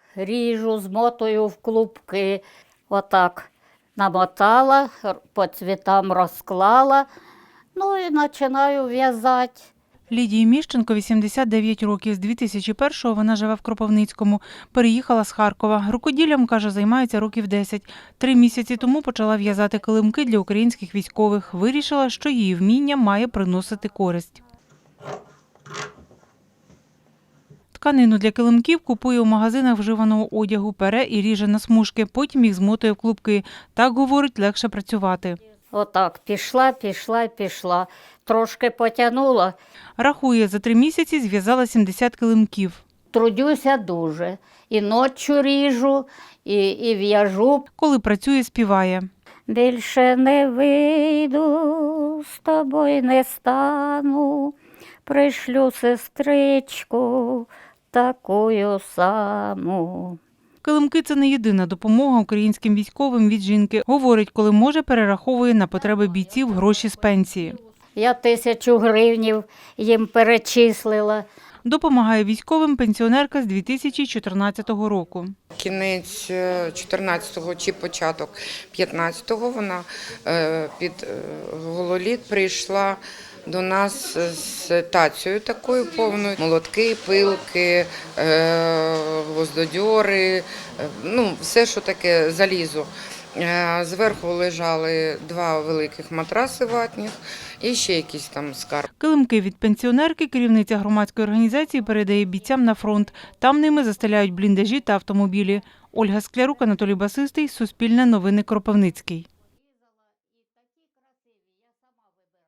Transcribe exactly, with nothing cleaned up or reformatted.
ріжу, змотую в клубки. Отак намотала, по цвітам розклала, ну і починаю в'язати. Лідії Міщенко вісімдесят дев'ять років. З дві тисячі першого вона живе в Кропивницькому. Переїхала з Харкова. Рукоділлям, каже, займається років десять. Три місяці тому почала в'язати килимки для українських військових. Вирішила, що її вміння має приносити користь. Тканину для килимків купує у магазинах вживаного одягу, пере і ріже на смужки, потім їх змотує в клубки. Так, говорить, легше працювати. Отак, пішла, пішла, пішла. Трошки потягнула. Рахує, за три місяці зв'язала сімдесят килимків. Трудюся дуже. І ночі ріжу, і, і в'яжу. Коли працює, співає. Більше не вийду, з тобою не стану, пришлю сестричку такою саму. Килимки – це не єдина допомога українським військовим від жінки. Говорить, коли може, перераховує на потреби бійців гроші з пенсії. Я тисячу гривнів їм перечислила. Допомагає військовим пенсіонерка з дві тисячі чотирнадцятого року. Кінець чотирнадцятого чи початок п'ятнадцятого вона під гололід прийшла до нас з тацією такою повною. Молотки, пилки, гвоздодьори, ну все, що таке залізо. Зверху лежали два великих матраси ватних і ще якісь там скарб. Килимки від пенсіонерки керівниця громадської організації передає бійцям на фронт. Там ними застеляють бліндажі та автомобілі. Ольга Склярук, Анатолій Басистий, Суспільне новини, Кропивницький.